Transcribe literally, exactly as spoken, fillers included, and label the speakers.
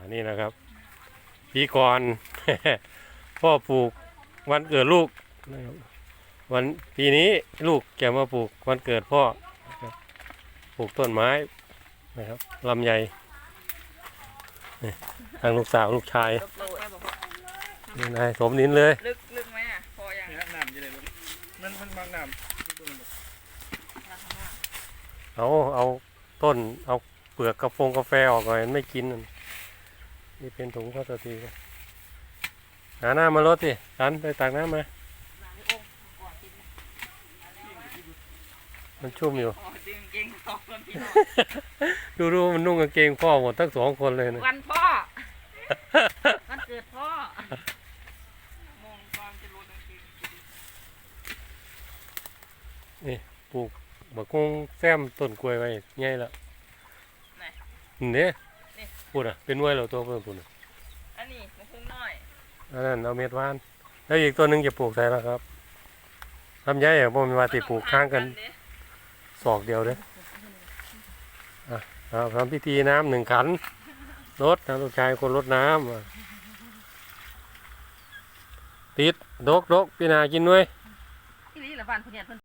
Speaker 1: นี่นะครับปีก่อน พ่อปลูกวันเกิดลูกนะครับวันปีนี้ลูกจะมาปลูกวันเกิดพ่อนะครับปลูกต้นไม้นะครับลำไยนี่ทางลูกสาวลูกชายนี่นายสมนินเลย
Speaker 2: ลึกลึกไหมอ่ะพออย่าง
Speaker 3: นี่น้ำจะเลยมันมันบางน้ำ
Speaker 1: เอาเอาต้นเอาเปลือกกาแฟกาแฟออกหน่อยไม่กินนี่เป็นถุงพลาสติกหาน้ำมาลดสิกันไปตักน้ำมามันชุ่มอยู่
Speaker 2: ดึงเกงสองคนพี่น้อง
Speaker 1: ดูดูมันนุ่งกางเกงพ่อหมดทั้งสองคนเลยนะ
Speaker 2: วันพ่อวันเกิดพ่อมองความจะรู้กางเกง
Speaker 1: นี่ปลูกบักคงแซมต้นกล้วยไว้ง่ายละ
Speaker 2: ไหน
Speaker 1: เนี่ย
Speaker 2: นี่
Speaker 1: พูดอ่ะเป็นไว้เราตัวเพิ่มพูดอ่ะ
Speaker 2: อันนี้มันคงน้อย
Speaker 1: อันนั้นเอาเม็ดว่านแล้วอีกตัวหนึงจะปลูกใส่แล้วครับลำไยอ่ะพวกมันว่าติปลูกข้างกันศอกเดียวเลยอ่ะเอาทำพิธีน้ำหนึ่งขันรดนะลูกชายคนรดน้ำอ่ะติดดกดกพี่นากินด้วย
Speaker 2: ที่นี่ละบ้านเพื่อนเพื่อน